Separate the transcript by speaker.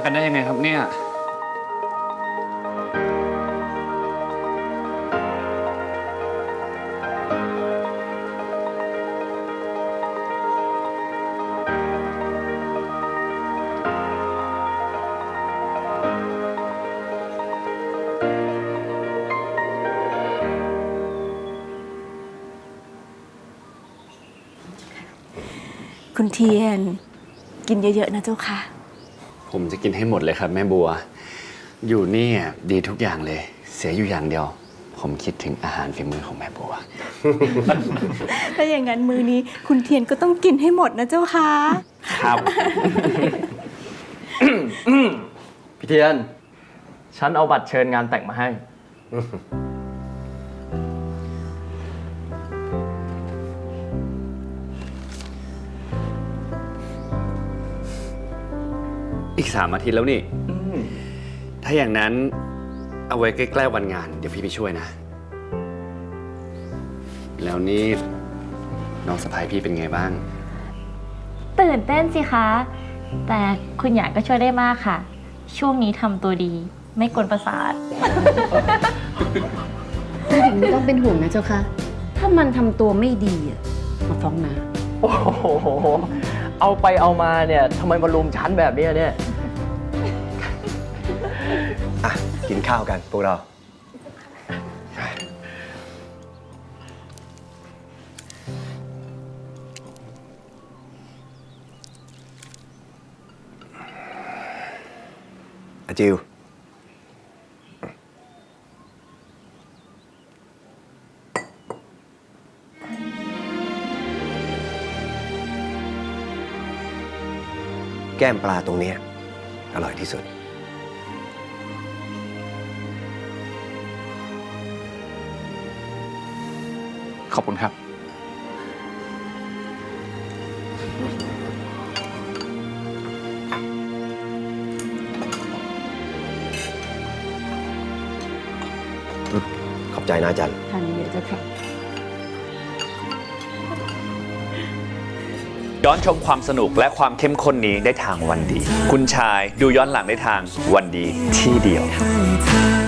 Speaker 1: กันได้ยังไงครับเนี่ย
Speaker 2: คุณเทียนกินเยอะๆนะเจ้าค่ะ
Speaker 1: ผมจะกินให้หมดเลยครับแม่บัวอยู่นี่ดีทุกอย่างเลยเสียอยู่อย่างเดียว ผมคิดถึงอาหารฝีมือของแม่บัว
Speaker 2: ถ้าอย่างนั้นมื้อนี้คุณเทียนก็ต้องกินให้หมดนะเจ้าค่ะ
Speaker 1: ครับ
Speaker 3: พี่เทียน ฉันเอาบัตรเชิญงานแต่งมาให้
Speaker 1: อีก3 อาทิตย์แล้วนี่ถ้าอย่างนั้นเอาไว้ใกล้ๆวันงานเดี๋ยวพี่ไปช่วยนะ แล้วนี่น้องสะพ้ายพี่เป็นไงบ้าง
Speaker 4: ตื่นเต้นสิคะ แต่คุณหยางก็ช่วยได้มากค่ะ ช่วงนี้ทำตัวดี ไม่กวนประสาท
Speaker 5: ผู้หญิงไม่ต้องเป็นห่วงนะเจ้าค่ะ ถ้ามันทำตัวไม่ดีอะมาฟ้องนะ
Speaker 3: โอ้โห เอาไปเอามาเนี่ยทำไมมารุมฉันแบบนี้เนี่ย
Speaker 6: อ่ะ กินข้าวกันพวกเรา อาจิว แก้มปลาตรงนี้อร่อยที่สุด
Speaker 1: ขอบคุณครับ
Speaker 6: ขอบใจนะจัน
Speaker 5: ทานเยอะๆเจ้าค่ะ
Speaker 1: ย้อนชมความสนุกและความเข้มข้นนี้ได้ทางวันดี คุณชายดูย้อนหลังได้ทางวันดีที่เดียว
Speaker 7: ให้เธอ